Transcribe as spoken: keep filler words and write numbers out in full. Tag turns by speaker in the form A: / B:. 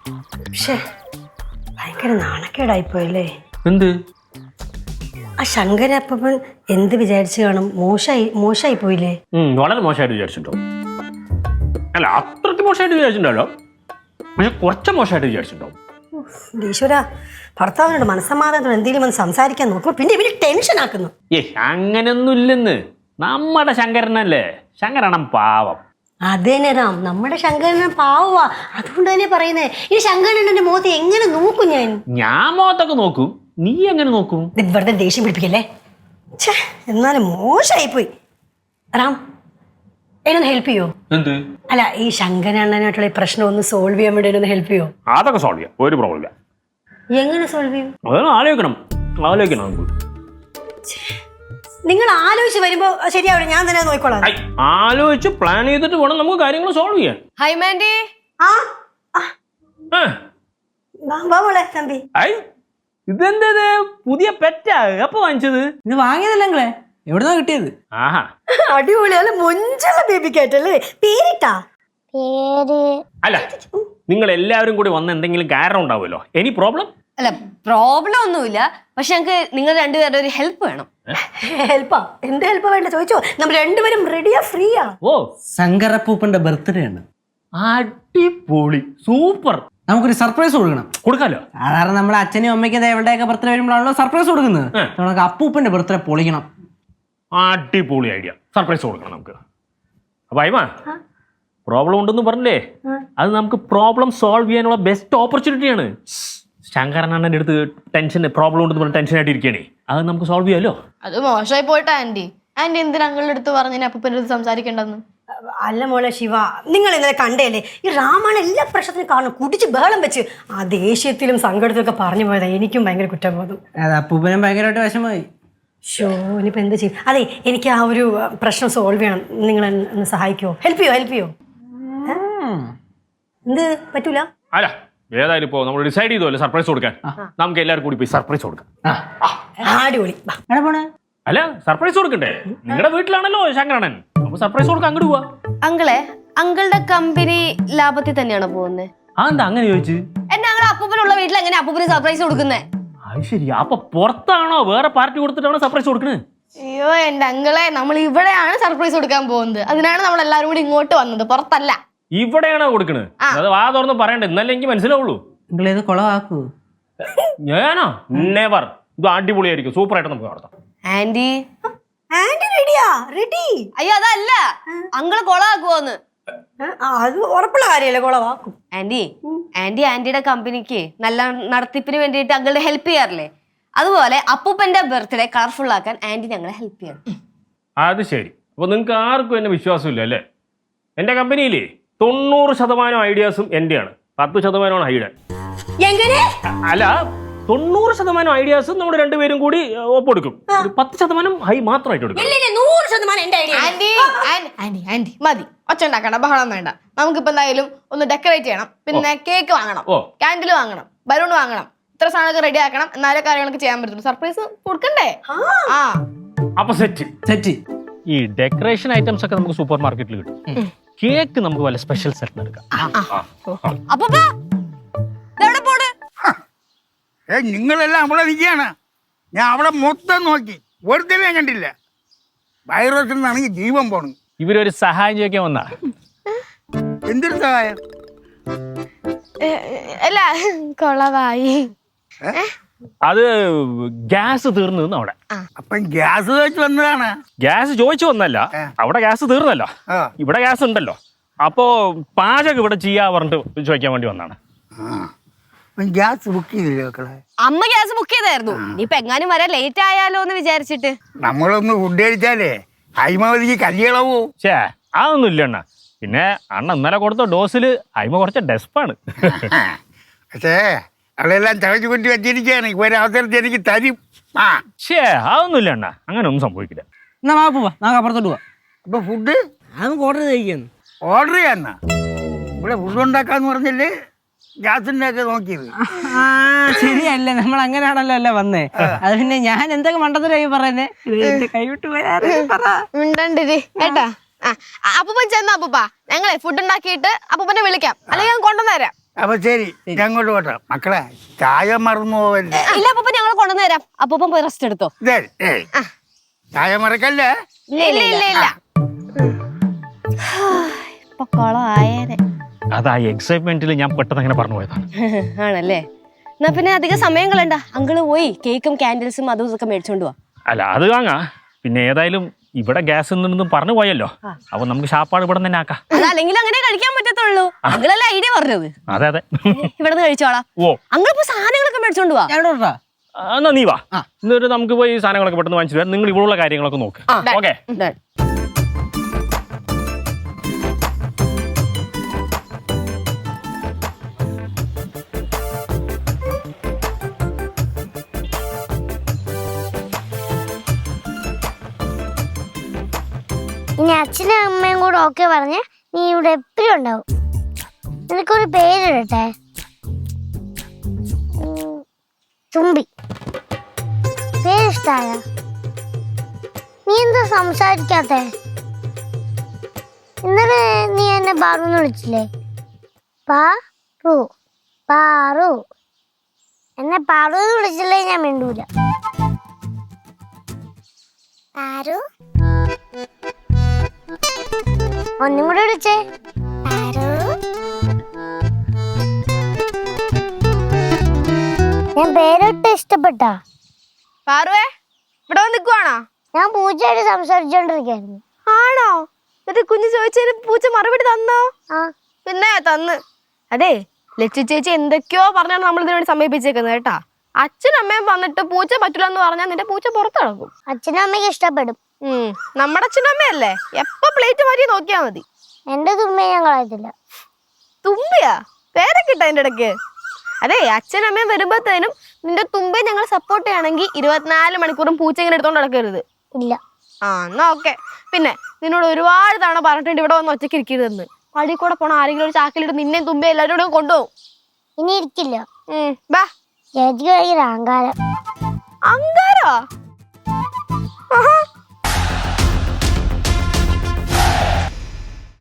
A: പക്ഷേ ഭയങ്കര നാണക്കേടായിപ്പോയല്ലേ.
B: എന്ത്?
A: ആ ശങ്കരപ്പൻ എന്ത് വിചാരിച്ചു കാണും? മോശമായി മോശമായി പോയില്ലേ?
B: വളരെ മോശമായിട്ട് വിചാരിച്ചിട്ടോ? അല്ല, അത്രയ്ക്ക് മോശമായിട്ട് വിചാരിച്ചിട്ടുണ്ടല്ലോ, പക്ഷെ കുറച്ച് മോശമായിട്ട് വിചാരിച്ചിട്ടുണ്ടോ?
A: ഈശ്വര, ഭർത്താവിനോട് മനസ്സമാധാനത്തോടെ എന്തെങ്കിലും ഒന്ന് സംസാരിക്കാൻ നോക്കുമ്പോ പിന്നെ ഇവര് ടെൻഷൻ ആക്കുന്നു.
B: ഏ അങ്ങനെയൊന്നും ഇല്ലെന്ന്. നമ്മുടെ ശങ്കരനല്ലേ, ശങ്കരണം പാവം.
A: അതേനെ രാം, നമ്മുടെ ശങ്കരനെ പാവവാ, അതുകൊണ്ട് തന്നെ പറയുന്നേ. ഈ ശങ്കരനെ മുഖത്ത് എങ്ങനെ നോക്കും ഞാൻ?
B: ഞാൻ മുഖത്തൊക്കെ നോക്കും, നീ എങ്ങനെ നോക്കും?
A: വെറുതെ ദേഷ്യം പിടിപ്പിക്കല്ലേ. ഛേ, എന്നാലും മോശമായി പോയി. റാം, എന്നൊന്ന് ഹെൽപ്പ് ചെയ്യോ?
B: എന്ത്?
A: അല്ല, ഈ ശങ്കരണ്ണനായിട്ടുള്ള ഈ പ്രശ്നം ഒന്ന് സോൾവ് ചെയ്യാൻ വേണ്ടി ഒന്ന് ഹെൽപ്പ് ചെയ്യോ?
B: അതൊക്കെ സോൾവ് ചെയ്യാം, ഒരു പ്രോബ്ലം ഇല്ല.
A: എങ്ങനെ സോൾവ് ചെയ്യും?
B: അതൊന്നും ആലോചിക്കണം, ആലോചിക്കണം നമുക്ക്.
A: നിങ്ങൾ ആലോചിച്ച് വരുമ്പോ ശരിയാവില്ല, ഞാൻ തന്നെ നോക്കിക്കോളാം.
B: ആലോചിച്ച് പ്ലാൻ ചെയ്തിട്ട് വേണം നമുക്ക് കാര്യങ്ങൾ സോൾവ് ചെയ്യാൻ.
C: Hi Mandy.
A: ആ മോളെ തമ്പി,
B: ഇതെന്തത് പുതിയ പെറ്റാ? എപ്പോ വാങ്ങിച്ചത്?
D: ഇത് വാങ്ങിയതല്ലേ നിങ്ങളെ? എവിടുന്നാ കിട്ടിയത്?
B: ആഹാ,
A: അടിപൊളി. അല്ല, മൊഞ്ചുള്ള ബേബി കേട്ടല്ലേ? പേരിട്ടാ?
E: പേര്
B: അല്ല, നിങ്ങൾ എല്ലാവരും കൂടി വന്ന എന്തെങ്കിലും കാരണം ഉണ്ടാവുമല്ലോ. Any problem?
C: അല്ല, പ്രോബ്ലം ഒന്നുമില്ല, പക്ഷെ ഞങ്ങൾക്ക് നിങ്ങൾ രണ്ടുപേരുടെ ഒരു ഹെൽപ്പ് വേണം.
A: ഹെൽപ്പാ? എന്ത് ഹെൽപ്പാ വേണ്ട ചോദിച്ചോ, നമ്മൾ രണ്ടുപേരും റെഡിയാ, ഫ്രീയാ.
B: ഓ,
D: ശങ്കരപ്പൂപ്പന്റെ ബർത്ത്ഡേ ആണ്.
B: അടിപൊളി, സൂപ്പർ.
D: നമുക്കൊരു സർപ്രൈസ് കൊടുക്കണം.
B: കൊടുക്കാലോ.
D: സാധാരണ നമ്മുടെ അച്ഛനും അമ്മയ്ക്കും എവിടെയൊക്കെ ബർത്ത്ഡേ വരുമ്പോഴാണല്ലോ സർപ്രൈസ് കൊടുക്കുന്നത്. നമുക്ക് അപ്പൂപ്പന്റെ ബർത്ത്ഡേ പൊളിക്കണം.
B: അടിപൊളി ഐഡിയ, സർപ്രൈസ് കൊടുക്കണം നമുക്ക്. അപ്പൊ അയ്മ, പ്രോബ്ലം ഉണ്ടെന്ന് പറഞ്ഞില്ലേ, അത് നമുക്ക് പ്രോബ്ലം സോൾവ് ചെയ്യാനുള്ള ബെസ്റ്റ് ഓപ്പർച്യൂണിറ്റിയാണ്. ശങ്കരനാണന്റെ അടുത്ത് ടെൻഷൻ പ്രോബ്ലം ഉണ്ടെന്ന് പറഞ്ഞ് ടെൻഷൻ ആയിട്ട് ഇരിക്കണേ, അത് നമുക്ക് സോൾവ് ചെയ്യാലോ.
C: അത് മോശമായി പോയിട്ടാ ആന്റി. ആന്റി എന്തിനാ അങ്ങളുടെ അടുത്ത് പറഞ്ഞു അപ്പൂപ്പൻ്റെ അടുത്ത് സംസാരിക്കേണ്ടെന്ന്?
A: അല്ല മോളെ ശിവ, നിങ്ങൾ ഇന്നലെ കണ്ടേല്ലേ, ഈ രാമാണ് എല്ലാ പ്രശ്നത്തിനും കാരണം. കുടിച്ച് ബഹളം വെച്ച് ആ ദേഷ്യത്തിലും സങ്കടത്തിലൊക്കെ പറഞ്ഞു പോയതാ. എനിക്കും ഭയങ്കര കുറ്റബോധം.
D: അത് അപ്പൂപ്പനും ഭയങ്കരമായിട്ട് വിഷമമായി.
A: ഷോ, ഇനിയിപ്പോൾ എന്താ ചെയ്യും? അതെ, എനിക്ക് ആ ഒരു പ്രശ്നം സോൾവ് ചെയ്യണം. നിങ്ങൾ ഒന്ന് സഹായിക്കുമോ? ഹെൽപ്പ് ചെയ്യോ? ഹെൽപ്പ് ചെയ്യോ? എന്ത് പറ്റൂല?
B: അല്ല, ഏതായാലും ഇപ്പോ നമ്മൾ ഡിസൈഡ് ചെയ്തോല്ലേ സർപ്രൈസ് കൊടുക്കാൻ. നമുക്ക് എല്ലാവരും കൂടി പോയി സർപ്രൈസ് കൊടുക്കാം.
A: അടിപൊളി.
B: അല്ല, സർപ്രൈസ് കൊടുക്കണ്ടേ? നിങ്ങളുടെ വീട്ടിലാണല്ലോ ശങ്കരണ്ണൻ, അപ്പൊ സർപ്രൈസ് കൊടുക്കാൻ അങ്ങോട്ട് പോവാ.
C: അങ്കിളെ, അങ്കിളുടെ കമ്പനി ലാഭത്തിൽ തന്നെയാണോ പോകുന്നത്?
B: ആ, എന്താ അങ്ങനെ ചോദിച്ചു?
C: എന്നെ അങ്ങളെ അപ്പൂപ്പനുള്ള വീട്ടിൽ എങ്ങനെ അപ്പൂപ്പന് സർപ്രൈസ് കൊടുക്കുന്നേ?
B: അത് ശരി, അപ്പൊ പുറത്താണോ വേറെ പാർട്ടി കൊടുത്തിട്ടാണോ സർപ്രൈസ് കൊടുക്കുന്നത്?
C: അയ്യോ എന്റെ അങ്കിളെ, നമ്മൾ ഇവിടെയാണ് സർപ്രൈസ് കൊടുക്കാൻ പോകുന്നത്. അതിനാണ് നമ്മൾ എല്ലാവരും കൂടി ഇങ്ങോട്ട് വന്നത്, പുറത്തല്ല.
B: ഇവിടെയാണോ കൊടുക്കണത്? അത് വാ തുറന്ന് പറയണ്ടേ, ഇന്നല്ലേ എനിക്ക് മനസ്സിലാവുള്ളൂ.
D: നിങ്ങളേത് കുളമാക്കൂ?
B: ഞാനോ? നെവർ. ഇത് അടിപൊളിയായിരിക്കും, സൂപ്പർ ആയിട്ട് നമുക്ക് നടത്താം.
C: ആന്റി
A: ആന്റി റെഡിയാ? റെഡി?
C: അയ്യോ അതല്ല, അങ്കിള് കൊളാക്കുവോന്ന്.
A: അത് ഉറപ്പുള്ള കാര്യമല്ലേ, കുളവാക്കും.
C: ആന്റി ആന്റി ആന്റിയുടെ കമ്പനിക്ക് നല്ല നടത്തിപ്പിന് വേണ്ടിയിട്ട് അങ്കിളുടെ ഹെൽപ്പ് ചെയ്യാറില്ലേ? അതുപോലെ അപ്പൂപ്പന്റെ ബർത്ത്ഡേ കളർഫുൾ ആക്കാൻ ആന്റി ഞങ്ങളെ ഹെൽപ്പ് ചെയ്യണം.
B: അത് ശരി. അപ്പൊ നിങ്ങൾക്ക് ആർക്കും എന്നെ വിശ്വാസമില്ല അല്ലേ? എന്റെ കമ്പനിയിലേ തൊണ്ണൂറ് ശതമാനം ഐഡിയാസും എന്റെയാണ്, പത്ത് ശതമാനമാണ് ഹൈഡ്.
A: എങ്ങനെ?
B: അല്ല, തൊണ്ണൂറ് ശതമാനം ഐഡിയാസും നമ്മൾ രണ്ടുപേരും കൂടി ഒപ്പെടുക്കും, പത്ത് ശതമാനം ഹൈ മാത്രമായിട്ട് എടുക്കും.
A: നൂറ് ശതമാനം എന്റെ ഐഡിയ.
C: ആന്റി ആന്റി ആന്റി മതി, ഒച്ച ഉണ്ടാക്കണ്ട, ബഹളം വേണ്ട. നമുക്കിപ്പോ എന്തായാലും ഒന്ന് ഡെക്കറേറ്റ് ചെയ്യണം, പിന്നെ കേക്ക് വാങ്ങണം, കാൻഡിൽ വാങ്ങണം, ബലൂൺ വാങ്ങണം, ഇത്ര സാധനമൊക്കെ റെഡി ആക്കണം, എന്നാലേ കാര്യങ്ങളൊക്കെ ചെയ്യാൻ പറ്റുള്ളൂ. സർപ്രൈസ് കൊടുക്കണ്ടേ? ആ,
B: അപ്പൊ സെറ്റ്
D: സെറ്റ്.
B: ഈ ഡെക്കറേഷൻ ഐറ്റംസ് ഒക്കെ നമുക്ക് സൂപ്പർ മാർക്കറ്റിൽ കിട്ടും. കേക്ക് നമുക്ക് വല്ല സ്പെഷ്യൽ സെറ്റ് എടുക്കാം.
C: അപ്പൂപ്പാ ഇതെവിടെ പോണ്?
F: ഏ നിങ്ങളെല്ലാം അവിടെ നിൽക്കുകയാണ്. ഞാൻ അവിടെ മൊത്തം നോക്കി, ഒരുത്തരം കണ്ടില്ല. വൈറസിൽ നിന്നാണെങ്കിൽ ജീവൻ പോണു.
B: ഇവരൊരു സഹായം ചോദിക്കാൻ വന്നാ.
F: എന്തൊരു സഹായം?
C: അല്ല, കൊളവായി.
B: അത് ഗ്യാസ് തീർന്നു അവിടെ.
F: അപ്പം ഗ്യാസ് വെച്ച് വന്നതാണ്.
B: ഗ്യാസ് ചോദിച്ചു വന്നല്ല, അവിടെ ഗ്യാസ് തീർന്നല്ലോ, ഇവിടെ ഗ്യാസ് ഉണ്ടല്ലോ. അപ്പോ പാചകം ഇവിടെ ചെയ്യാ പറഞ്ഞിട്ട് ചോദിക്കാൻ വേണ്ടി വന്നാണ്.
F: ഗ്യാസ് ബുക്ക് ചെയ്തില്ലേ മക്കളെ?
C: അമ്മ ഗ്യാസ് ബുക്ക് ചെയ്തായിരുന്നു. ഇനിയിപ്പൊ എങ്ങാനും വരാൻ ലേറ്റ് ആയാലോ എന്ന് വിചാരിച്ചിട്ട്.
F: നമ്മളൊന്ന് ഫുഡ് കഴിച്ചാലേ ഹൈമാവതിക്ക് കല്യാണവോ?
B: ഛേ, അതൊന്നും ഇല്ല അണ്ണ. പിന്നെ അണ്ണ ഇന്നലെ കൊടുത്ത ഡോസില് ഹൈമ കുറച്ച് ഡെസ്പാണ്.
F: പക്ഷേ അവളെല്ലാം ചവച്ചു കൊട്ടി വെച്ചിരിക്കുകയാണ്. ഒരു അവസരത്തിൽ എനിക്ക് തരും. ആ
B: ഛേ, അതൊന്നും ഇല്ല അണ്ണ, അങ്ങനെ ഒന്നും സംഭവിക്കില്ല.
D: എന്നാ വാ പോവാ, നമുക്ക് അപ്പുറത്തോട്ട് പോവാ.
F: അപ്പൊ ഫുഡ്
D: നമുക്ക് ഓർഡർ ചെയ്യിക്കുന്നു.
F: ഓർഡർ ചെയ്യാന്നാ? ഇവിടെ ഫുഡ് ഉണ്ടാക്കാന്ന് പറഞ്ഞല്ലേ ഗ്യാസിന്റെ ഒക്കെ നോക്കിയത്?
D: ആ ശരിയല്ലേ, നമ്മൾ അങ്ങനെയാണല്ലോ അല്ലേ വന്നേ. അത് പിന്നെ ഞാൻ എന്തൊക്കെ മണ്ടത്തരായി പറയുന്നേ, കൈവിട്ട്
C: മിണ്ടണ്ടിരി കേട്ടാ. അപ്പൂപ്പൻ ചെന്ന അപ്പൂപ്പ, ഞങ്ങളെ ഫുഡ് ഉണ്ടാക്കിയിട്ട് അപ്പൂപ്പനെ വിളിക്കാം, അല്ലെങ്കിൽ ഞാൻ കൊണ്ടുവന്നേരാം.
F: അപ്പൊ ശരി ഞാൻ അങ്ങോട്ട് പോട്ടെ മക്കളെ ചായ മറന്നു പോവല്ലേ.
E: ഇല്ല അപ്പൊ ഞങ്ങൾ കൊണ്ടുവന്ന് തരാം. അപ്പൊ പോയി റെസ്റ്റ് എടുത്തോ.
F: ദേ, ഏയ്, ചായ മറക്കല്ലേ.
C: ഇല്ല ഇല്ല ഇല്ല ഇല്ല
E: ഇപ്പൊ കൊളമായേനെ.
B: അതാ എക്സൈറ്റ്മെന്റിൽ ഞാൻ പെട്ടെന്ന് അങ്ങനെ പറഞ്ഞു പോയതാണ്.
E: ആണല്ലേ? എന്നാ പിന്നെ അധികം സമയം കളയണ്ട. അങ്കിള് പോയി കേക്കും കാൻഡിൽസും അതും ഇതൊക്കെ മേടിച്ചോണ്ട് പോവാ.
B: അല്ല അത് വാങ്ങാ. പിന്നെ ഏതായാലും ഇവിടെ ഗ്യാസ് നിന്നും പറഞ്ഞു പോയല്ലോ, അപ്പൊ നമുക്ക് ഷാപ്പാട് ഇവിടെ തന്നെ ആക്കാം.
E: അതല്ലെങ്കിൽ അങ്ങനെ കഴിക്കാൻ പറ്റത്തുള്ളൂ. അങ്കിളല്ല ഐഡിയ പറഞ്ഞത്.
B: അതെ അതെ.
E: ഇവിടെ നിന്ന് കഴിച്ചോളാം.
B: ഓ
E: അങ്കിൾ ഇപ്പൊ സാധനങ്ങളൊക്കെ മേടിച്ചോണ്ട് പോവാ.
D: ഞാൻ ഇടോട്ടാ.
B: ആ, എന്നാ നീ വാ. എന്നിട്ട് നമുക്ക് പോയി ഈ സാധനങ്ങളൊക്കെ പെട്ടെന്ന് വാങ്ങിച്ചു തരാം. നിങ്ങൾ ഇവിടെയുള്ള കാര്യങ്ങളൊക്കെ നോക്ക്. ഓക്കെ.
G: ഇനി അച്ഛനും അമ്മയും കൂടെ ഓക്കെ പറഞ്ഞ് നീ ഇവിടെ എപ്പോഴും ഉണ്ടാവും. നിനക്കൊരു പേരിടട്ടെ. ഉം, തുമ്പി. പേരിഷ്ടായ? നീ എന്താ സംസാരിക്കാത്തെ? ഇന്നലെ നീ എന്നെ പാറൂന്ന് വിളിച്ചില്ലേ? പാറു പാറു എന്നെ പാറൂന്ന് വിളിച്ചില്ലേ ഞാൻ മിണ്ടൂല. പാറു ഒന്നും കൂടെ വിളിച്ചേ. ഞാൻ പേരൊട്ട് ഇഷ്ടപ്പെട്ടാ?
C: പാറുവേ ഇവിടെ വന്ന് നിൽക്കുവാണോ?
G: ഞാൻ പൂച്ചയായിട്ട് സംസാരിച്ചോണ്ടിരിക്കായിരുന്നു.
C: ആണോ? എന്നിട്ട് കുഞ്ഞു ചോദിച്ചതിന് പൂച്ച മറുപടി തന്നോ?
G: ആ
C: പിന്നെ തന്ന്. അതെ ലക്ഷ്മി ചേച്ചി എന്തൊക്കെയോ പറഞ്ഞാണ് നമ്മൾ ഇതിനു വേണ്ടി സമീപിച്ചേക്കുന്നത് കേട്ടാ. അച്ഛനും അമ്മയും വന്നിട്ട് പൂച്ച പറ്റില്ല എന്ന് പറഞ്ഞാൽ നിന്റെ പൂച്ച പുറത്ത് കിടക്കും.
G: അച്ഛനും അമ്മയ്ക്ക് ഇഷ്ടപ്പെടും.
C: ഉം നമ്മുടെ അച്ഛനും അമ്മയല്ലേ, എപ്പൊ പ്ലേറ്റ് മാറ്റി നോക്കിയാ മതി.
G: എന്റെ തുമ്മിയെ ഞാൻ കളയത്തില്ല.
C: തുമ്പിയാ പേരൊക്കെ ഇട്ട അതിന്റെ ഇടയ്ക്ക്. അതെ അച്ഛനും അമ്മയും വരുമ്പോഴത്തേനും നിന്റെ തുമ്പയെ ഞങ്ങൾ സപ്പോർട്ട് ചെയ്യണമെങ്കിൽ ഇരുപത്തിനാല് മണിക്കൂറും പൂച്ച ഇങ്ങനെ എടുത്തോണ്ട് നടക്കരുത്.
G: ഇല്ല.
C: ആ എന്നാ ഓക്കെ. പിന്നെ നിന്നോട് ഒരുപാട് തവണ പറഞ്ഞിട്ടുണ്ട് ഇവിടെ വന്ന് ഒറ്റയ്ക്ക് ഇരിക്കരുതെന്ന്. പടി കൂടെ പോണ ആരെങ്കിലും ഒരു ചാക്കിലിട്ട് നിന്നെയും തുമ്പ എല്ലാവരും കൂടെ കൊണ്ടുപോകും.
G: ഇനി ഇരിക്കില്ല.
C: ഉം ബാ.
G: ചേച്ചിക്ക് ഭയങ്കര അഹങ്കാരം.
C: അങ്കാരോ?